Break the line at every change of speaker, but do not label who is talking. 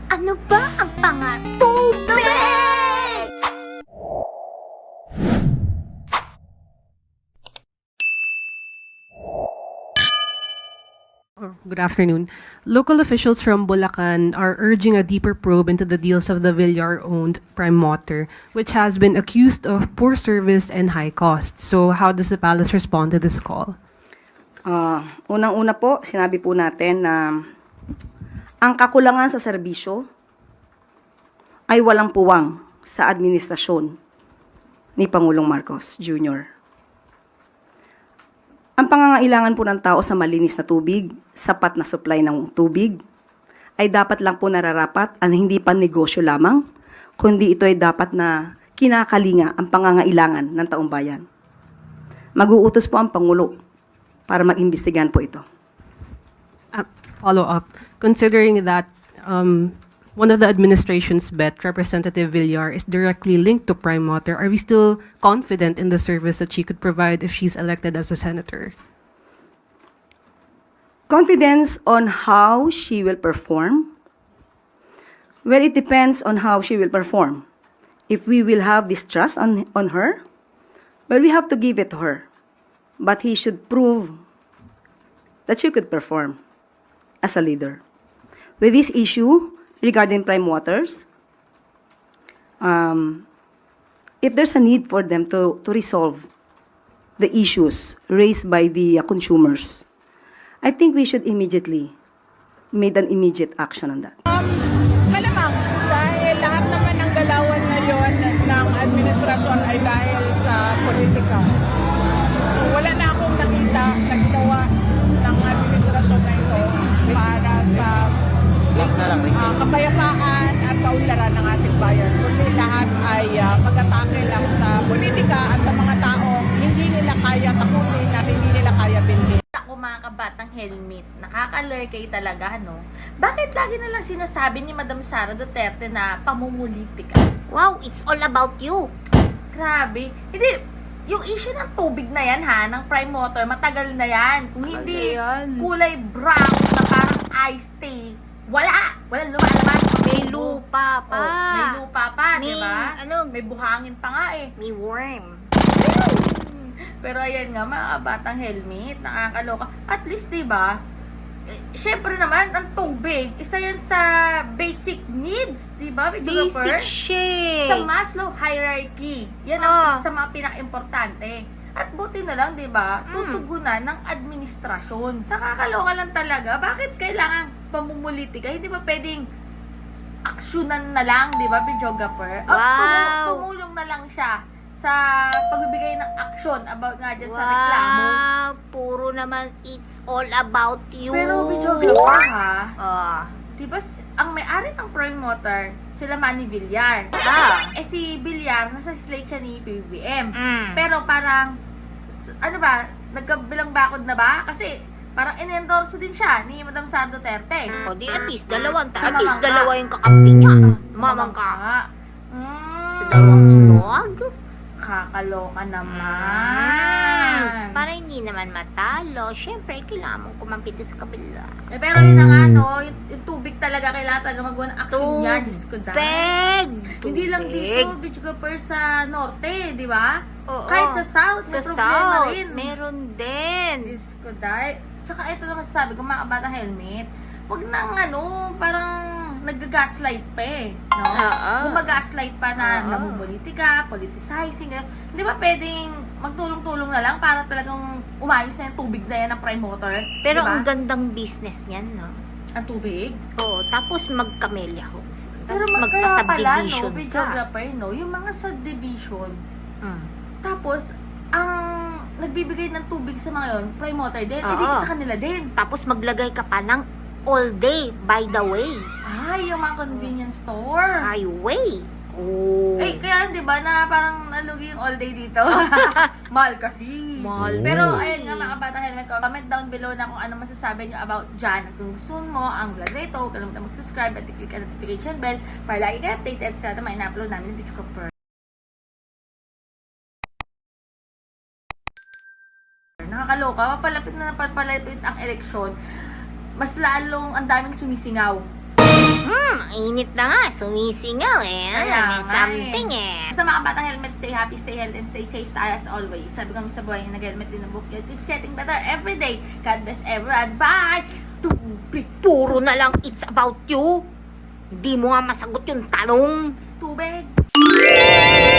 Ano ba ang Tubig!
Good afternoon. Local officials from Bulacan are urging a deeper probe into the deals of the Villar-owned Prime Water, which has been accused of poor service and high costs. So how does the palace respond to this call?
Unang-una po, sinabi po natin na ang kakulangan sa serbisyo ay walang puwang sa administrasyon ni Pangulong Marcos Jr. Ang pangangailangan po ng tao sa malinis na tubig, sapat na supply ng tubig, ay dapat lang po nararapat at hindi pa negosyo lamang, kundi ito ay dapat na kinakalinga ang pangangailangan ng taong bayan. Mag-uutos po ang Pangulo para mag-imbestigahan po ito.
Follow up. Considering that one of the administration's bet, Representative Villar, is directly linked to Prime Water, are we still confident in the service that she could provide if she's elected as a senator?
Confidence on how she will perform? Well, it depends on how she will perform. If we will have this trust on her, well, we have to give it to her. But he should prove that she could perform as a leader. With this issue regarding Prime Waters, if there's a need for them to resolve the issues raised by the consumers, I think we should immediately make an immediate action on that.
Malamang, dahil lahat naman ng galawan ngayon ng administrasyon ay dahil sa politika. So wala na akong nakita na ginawa ng administrasyon na ito para sa kapayapaan at kaunlaran ng ating bayan. Kundi lahat ay pag-atake lang sa politika at sa mga taong hindi nila kaya takutin at hindi nila kaya bilhin.
Ako mga kabatang helmet, nakaka-lurkay talaga, no? Bakit lagi na lang sinasabi ni Madam Sara Duterte na pamumulitika?
Wow, it's all about you.
Grabe. Hindi, yung issue ng tubig na yan ha, ng Prime Water, matagal na yan. Kung hindi kulay brown na parang iced tea, walang lumalabas.
May lupa pa.
Oh, may lupa pa,
May,
di ba?
ano,
May buhangin pa nga eh.
May worm.
Pero ayan nga, mga kabatang helmet, nakakaloka. At least, di ba, syempre naman, ang tubig, isa yan sa basic needs, di ba?
Basic shit.
Sa Maslow hierarchy. Yan ang isa sa mga pinaka-importante. At buti na lang, di ba, tutugunan ng administrasyon. Nakakaloka lang talaga. Bakit kailangan pamumulitika? Hindi ba pwedeng aksyonan na lang, di ba, videographer? O tumulong na lang siya sa pagbibigay ng aksyon about nga dyan sa reklamo.
Puro naman it's all about you.
Pero videographer ha, diba ang may-ari ng Prime Water, sila Manny Villar. Eh si Villar, nasa slate siya ni PBBM. Pero parang, ano ba, nagkabilang bakod na ba? Kasi parang in-endorse din siya ni Madam Sara Duterte.
O di at least dalawa yung kakampi niya. Mamangka. Sa dalawang ilog.
Kakaloka naman.
Para hindi naman matalo, syempre kailangan mong kumampiti sa kabila.
Pero yun na nga, no, yung tubig talaga, kailangan talaga magawa ng action niya. Diyos ko dahil. Hindi lang dito, videographer sa norte, di ba? Kahit sa south, may problema rin.
Meron din.
Diyos ko dahil. Tsaka ito lang masasabi ko, mga kabata helmet, wag nang parang nag-gaslight pa eh. No? Kung mag-gaslight pa na namumulitika, politicizing, hindi ba pwedeng magtulong-tulong na lang para talagang umayos na yung tubig na yan ng Prime Water?
Pero
diba?
ang gandang business niyan, no?
Ang tubig?
Oo, tapos mag-camellia homes.
Pero
Tapos
kaya pala, no,
magpa-subdivision ka.
videographer, no, yung mga subdivision, tapos, ang nagbibigay ng tubig sa mga yun, Prime Water din, edi sa kanila din.
Tapos maglagay ka pa ng all day, by the way.
Ay, yung mga convenience store.
Highway.
Eh, kaya di ba na parang nalugi yung all day dito? Mahal kasi.
Mahal.
Pero, ayun nga mga kabata helmet ko, comment down below na kung ano masasabi nyo about dyan. At kung gusto mo ang vlog na ito, huwag kalimutan mag-subscribe at i-click ang notification bell para lagi kayo updated sa lahat ng mga ina-upload namin ng video ko. Nakakaloka, papalapit na papalapit ang eleksyon, mas lalong ang daming sumisingaw.
Init Init na nga, sumisingaw eh.
Kaya
May
nga
something eh.
Sa mga batang helmet, stay happy, stay healthy, and stay safe tayo as always. Sabi kami sa buhay, nag-helmet din ang book. It keeps getting better every day. God bless everyone. Bye!
Tubig, puro na lang it's about you. Hindi mo nga masagot yung tanong.
Tubig!